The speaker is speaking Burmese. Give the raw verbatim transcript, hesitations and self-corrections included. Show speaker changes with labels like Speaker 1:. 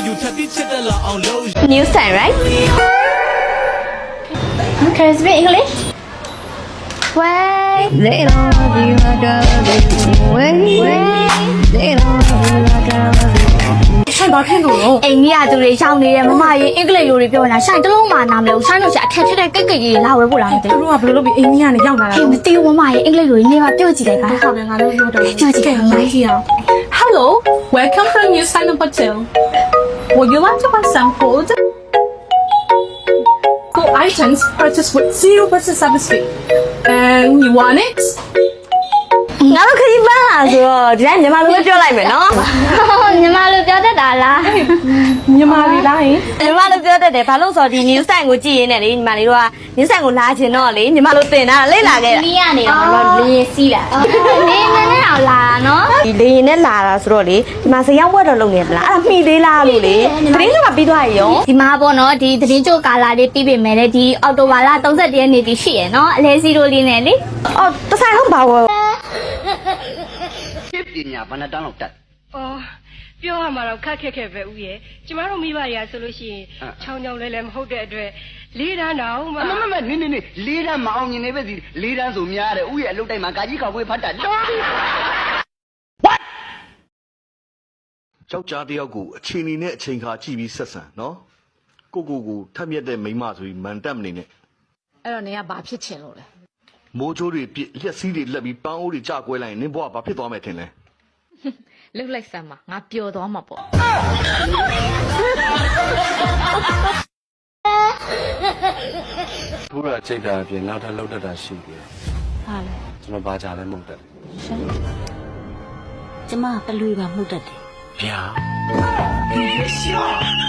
Speaker 1: New sign, right? Okay, speak English. Wait. They don't love you like I love you. Wait, wait. They don't love you like I love you.
Speaker 2: ဆိုင်ဘာဖြစ်လို့လဲအိမ်ကြီးကသူတွေရှောင်းနေတယ်မမရေအင်္ဂလိပ်လိုတွေပြောနေတာဆိုင်တလုံးမှနားမလဲဘူးဆိုင်လို့ရှာအခက်ထက်တဲ့ကိတ်ကိတ်ကြီးလာဝဲဖို့လားမသိဘူးတို့ကဘယ်လိုလုပ်ပြီးအိမ်ကြီးကနေရောက်လာတာလဲမသိဘူးမမရေအင်္ဂလိပ်လိုနေပါပြောကြည့်လိုက်ပါဟုတ်တယ်ငါတို့ပြောတော့ပြောကြည့်ခဲ့မမကြီးအောင်
Speaker 3: Hello, welcome from New Silent Hotel. Would you like to buy some food? Four items purchased with zero percent service fee. And you want it?
Speaker 2: ငါတို့ခရီးပန်းလာဆိုတော့ဒီတိုင်းမြန်မာလိုပဲပြောလိုက်မယ်နော်မြန်မာလိုပြောတတ်တာလား
Speaker 3: မြန်မာလေးလားဟင်
Speaker 2: မြန်မာလိုပြောတတ်တယ်ဘာလို့ဆိုတော့ဒီ news site ကိုကြည့်ရင်းနဲ့လေညီမလေးတို့က news site ကိုလာချင်တော့လေညီမလိုတင်တာလိမ့်လာခဲ့တာနီးရနေတော့ငါတို့လေစီးလာနေမနဲ့တော့လာတာနော်ဒီလေရင်နဲ့လာတာဆိုတော့လေဒီမှာဇရောက်ဝက်တော့လုပ်နေပလားအဲ့ဒါမှီသေးလားလို့လေသတင်းကပြီးသွားရောဒီမှာပေါ့နော်ဒီသတင်းကြိုကာလာလေးပြီးပြီမယ်လေဒီအော်တိုဘာလ၃၁ရက်နေ့ဒီရှိရယ်နော်အလဲစီရိုလေးနဲ့လေအော်တဆိုင်ဟုတ်ပါဘော
Speaker 4: ဖြစ်ပညာဘဏ္ဍတန်းလောက်တက်
Speaker 5: ။အော်ပြောရမှာတော့ခက်ခက်ခဲပဲဦးရဲ့။ကျမတို့မိဘတွေကဆိုလို့ရှိရင်ချောင်းချောင်းလဲလဲမဟုတ်တဲ့အတွက်လေးတန်းတောင်မှ
Speaker 4: မမမနေနေနေလေးတန်းမအောင်မြင်နေပဲစီလေးတန်းဆိုများတယ်ဥရဲ့အလုတ်တိုင်းမှာကာကြီးခေါက်ခွေးဖတ်တာတော်ပြီ What
Speaker 6: ယောက်ျားတယောက်ကိုအချိန်နေနဲ့အချိန်ခါကြည့်ပြီးဆက်ဆံနော်ကိုကိုကိုထက်မြက်တဲ့မိန်းမဆိုပြီးမန်တက်မနေနဲ့
Speaker 7: အဲ့တော့နေကဘာဖြစ်ချင်လို့လဲ
Speaker 6: မိုးချိုးတွေပြစ်လက်စည်းတွေလက်ပြီးပန်းအိုးတွေကြကွဲလိုက်ရင်နင်းဘွားဘာဖြစ်သွားမယ်ထင်လဲ
Speaker 7: လှုပ်လိုက်စမ်းပါငါပျော်သွားမှာပေါ့
Speaker 8: ဘုရားချိန်တာအပြင်နောက်ထပ်လောက်တတ်တာရှိတယ်
Speaker 7: ဟာလေ
Speaker 8: ကျွန်တော်ဘာကြလဲမဟုတ်တယ်
Speaker 7: ကျမပလွေပါမှုတ်တတ်တယ်
Speaker 8: ဗျာ